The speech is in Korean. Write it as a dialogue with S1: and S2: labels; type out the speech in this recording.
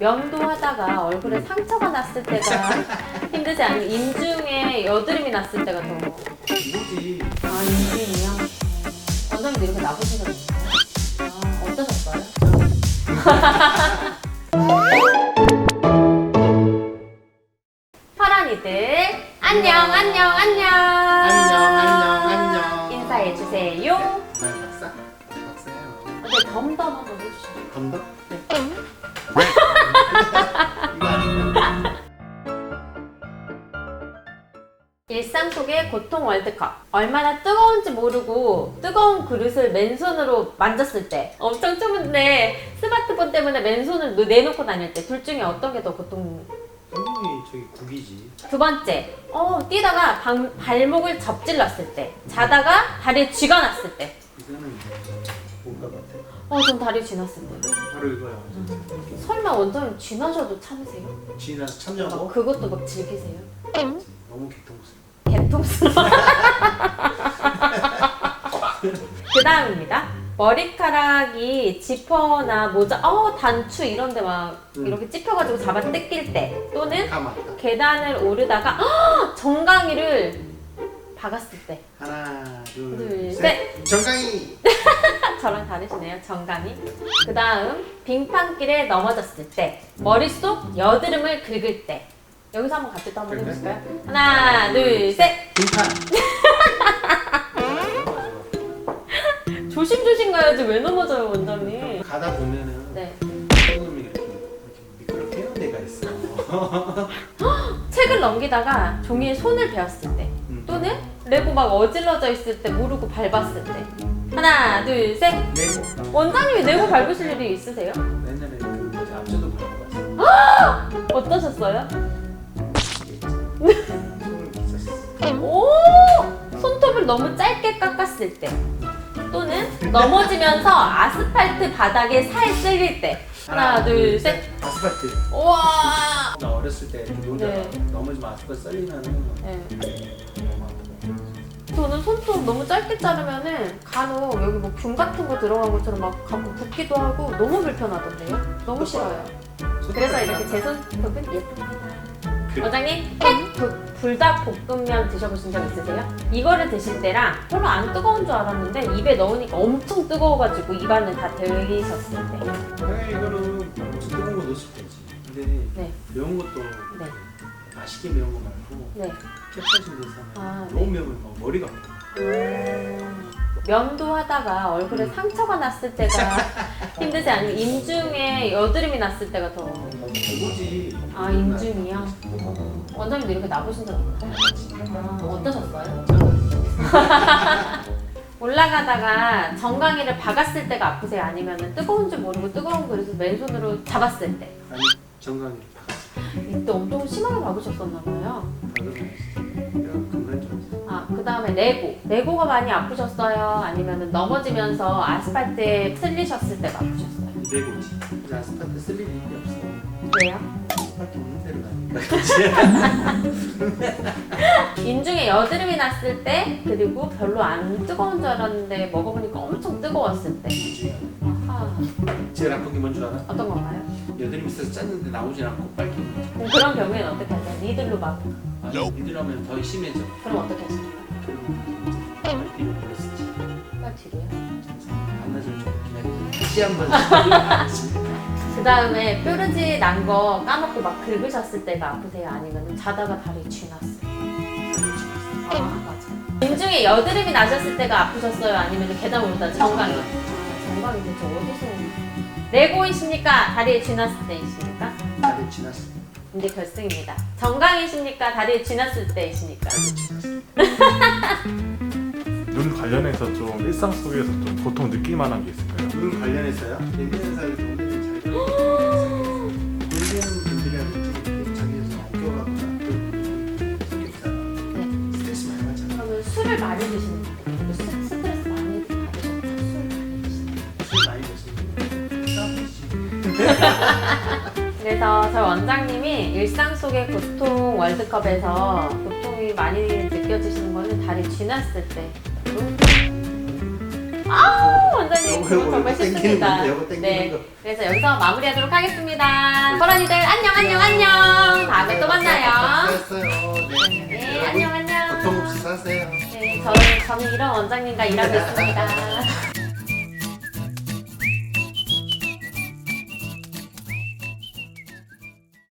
S1: 면도하다가 얼굴에 상처가 났을 때가 힘들지 않으면 인중에 여드름이 났을 때가 더.
S2: 뭐지?
S1: 아, 인중이요? 원장님도 이렇게 나보신 적 있어요? 아, 어떠셨어요? 파란이들 안녕 안녕 안녕
S2: 안녕.
S1: 인사해주세요.
S2: 난 박사예요.
S1: 근데 덤덤 한번 해주시죠.
S2: 덤덤?
S1: 네.
S2: 이거 아닌가?
S1: 일상 속의 고통 월드컵. 얼마나 뜨거운지 모르고 뜨거운 그릇을 맨손으로 만졌을 때 엄청 추운데 스마트폰 때문에 맨손을 내놓고 다닐 때 둘 중에 어떤 게 더 고통?
S2: 당연히 저기 국이지.
S1: 두 번째, 뛰다가 발목을 접질렀을 때, 자다가 다리에 쥐가 났을 때.
S2: 이거는 뭔가 같아.
S1: 전 다리에 쥐 났을 때.
S2: 바로 이거야.
S1: 설마 원장님 쥐 나셔도 참으세요?
S2: 지나서 참냐고?
S1: 그것도 막 즐기세요?
S2: 너무 개통스러워.
S1: 개통스러워. 그 다음입니다. 머리카락이 지퍼나 모자, 단추 이런 데 막 이렇게 찝혀가지고 잡아 뜯길 때, 또는
S2: 맞다.
S1: 계단을 오르다가 정강이를 박았을 때.
S2: 하나,
S1: 둘,
S2: 둘,
S1: 셋.
S2: 셋. 정강이.
S1: 저랑 다르시네요, 정강이. 그 다음 빙판길에 넘어졌을 때, 머릿속 여드름을 긁을 때. 여기서 한번 같이 또 한번
S2: 그래?
S1: 해보실까요? 하나, 둘, 셋.
S2: 빙판.
S1: 조심조심 가야지 왜 넘어져요, 원장님.
S2: 가다 보면은
S1: 네.
S2: 조금이 이렇게 미끄럽게 해놓은 데가 있어.
S1: 책을 넘기다가 종이에 손을 베었을 때, 또는 레고 막 어질러져 있을 때 모르고 밟았을 때. 하나, 둘, 셋.
S2: 내고.
S1: 원장님이 레고 밟으실 일이 있으세요?
S2: 옛날에 그 뭐지 앞쪽도 밟고 갔어.
S1: 어떠셨어요?
S2: 손을 있었어.
S1: 오! 손톱을 너무 짧게 깎았을 때, 또는 넘어지면서 아스팔트 바닥에 살 쓸릴 때. 하나, 둘, 셋.
S2: 아스팔트.
S1: 우와!
S2: 나 어렸을 때 이렇게 놀다가
S1: 네.
S2: 넘어지면 아스팔트 썰리면은
S1: 네.
S2: 너무 아프고.
S1: 저는 손톱 너무 짧게 자르면은 간혹 여기 뭐 균 같은 거 들어간 것처럼 막 가끔 붓기도 하고 너무 불편하던데요? 너무 싫어요. 그래서 이렇게 제 손톱은 예쁩니다. 원장님, 불닭볶음면 드셔보신 적 있으세요? 이거를 드실 때랑 별로 안 뜨거운 줄 알았는데 입에 넣으니까 엄청 뜨거워가지고 입안을 다 데우셨을 때.
S2: 그래 이거는 뜨거운 거 넣었을 때지. 근데
S1: 네.
S2: 매운 것도
S1: 네.
S2: 맛있게 매운 거 말고
S1: 네.
S2: 캡사이신 돼서
S1: 아,
S2: 너무
S1: 네.
S2: 매우면 막 머리가 아파.
S1: 면도하다가 얼굴에 상처가 났을 때가 힘들지 않으면 인중에 여드름이 났을 때가 더.
S2: 뭐지?
S1: 아, 인중이요? 원장님도 이렇게 나보신 적 있나요? 아, 어떠셨어요? 올라가다가 정강이를 박았을 때가 아프세요? 아니면 뜨거운 줄 모르고 뜨거운 그릇을 맨손으로 잡았을 때?
S2: 아니 정강이 박았어.
S1: 이때 엄청 심하게 박으셨었나 봐요.
S2: 박으면 내가 금간 줄 알았어.
S1: 아, 그 다음에 레고. 레고가 많이 아프셨어요? 아니면 넘어지면서 아스팔트에 쓸리셨을 때가 아프셨어요?
S2: 내고지. 근데 아스팔트 쓸 일이 없어.
S1: 왜요?
S2: 아스팔트 없는 데로 가니까.
S1: 인중에 여드름이 났을 때, 그리고 별로 안 뜨거운 줄 알았는데 먹어보니까 엄청 뜨거웠을 때. 아하.
S2: 제일 아픈 게 뭔 줄 알아?
S1: 어떤 건가요?
S2: 여드름 있어서 짰는데 나오진 않고 빨개.
S1: 그럼 그런 경우에는 어떻게 하세요? 니들로 막.
S2: 아니 니들 하면 더 심해져.
S1: 그럼 어떻게 하십니까?
S2: 그럼 뒤로 보냈었지.
S1: 빨리 뒤로요.
S2: 반나절 좀 기다리고 다시 한번.
S1: 그 다음에 뾰루지 난 거 까먹고 막 긁으셨을 때가 아프세요? 아니면 자다가 다리 쥐 났어요? 아, 맞아. 인중에 여드름이 나셨을 때가 아프셨어요? 아니면 계단 오르다 정강이? 정강이 대체 어디서 오는? 레고이십니까? 다리에 쥐 났을 때이십니까?
S2: 다들 지났어.
S1: 이제 결승입니다. 정강이십니까? 다리에 쥐 났을 때이십니까?
S2: 다들 지났어.
S3: 눈 관련해서 좀 일상 속에서 좀 고통 느낄 만한 게 있을까요?
S2: 눈 관련해서요? 예민한 사람이 오늘은 잘 돌리는 분들이라든지 자기에서 어겨가거나 그런 성격상 스트레스 많이 받잖아.
S1: 그러면 술을 많이 드시는 분들, 스트레스 많이 받으셨다. 술 많이 드시는
S2: 술 많이 드시는
S1: 그래서 저희 원장님이 일상 속의 고통 월드컵에서 고통이 많이 느껴지시는 거는 다리 쥐 났을 때. 원장님
S2: 요거,
S1: 그거
S2: 요거,
S1: 정말
S2: 요거 땡기는
S1: 싫습니다.
S2: 건데, 요거 땡기는
S1: 네.
S2: 거.
S1: 그래서 여기서 마무리하도록 하겠습니다. 호랑이들 안녕. 다음에 또 만나요.
S2: 수고했어요. 네.
S1: 네,
S2: 여러분,
S1: 안녕.
S2: 고통 없이 사세요.
S1: 네, 저는 이런 원장님과 일하고 있습니다.